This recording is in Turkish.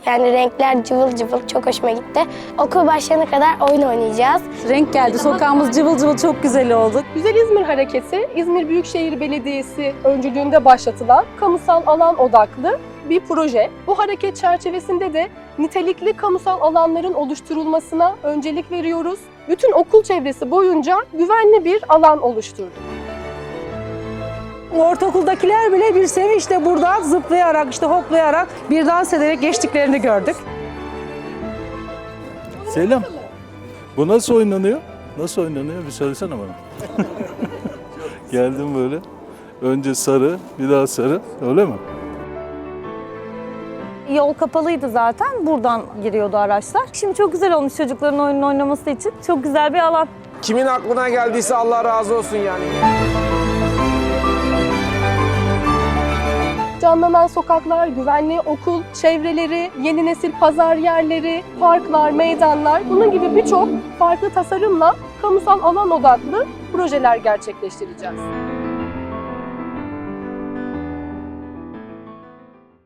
Yani renkler cıvıl cıvıl, çok hoşuma gitti. Okul başlayana kadar oyun oynayacağız. Renk geldi, sokağımız cıvıl cıvıl, çok güzel oldu. Güzel İzmir Hareketi, İzmir Büyükşehir Belediyesi öncülüğünde başlatılan kamusal alan odaklı bir proje. Bu hareket çerçevesinde de nitelikli kamusal alanların oluşturulmasına öncelik veriyoruz. Bütün okul çevresi boyunca güvenli bir alan oluşturduk. Ortaokuldakiler bile bir sevinçle buradan zıplayarak, işte hoplayarak, bir dans ederek geçtiklerini gördük. Selam. Bu nasıl oynanıyor? Nasıl oynanıyor? Bir söylesene bana. Geldim böyle. Önce sarı, bir daha sarı. Öyle mi? Yol kapalıydı zaten. Buradan giriyordu araçlar. Şimdi çok güzel olmuş çocukların oyununu oynaması için. Çok güzel bir alan. Kimin aklına geldiyse Allah razı olsun yani. Canlanan sokaklar, güvenli okul çevreleri, yeni nesil pazar yerleri, parklar, meydanlar, bunun gibi birçok farklı tasarımla kamusal alan odaklı projeler gerçekleştireceğiz.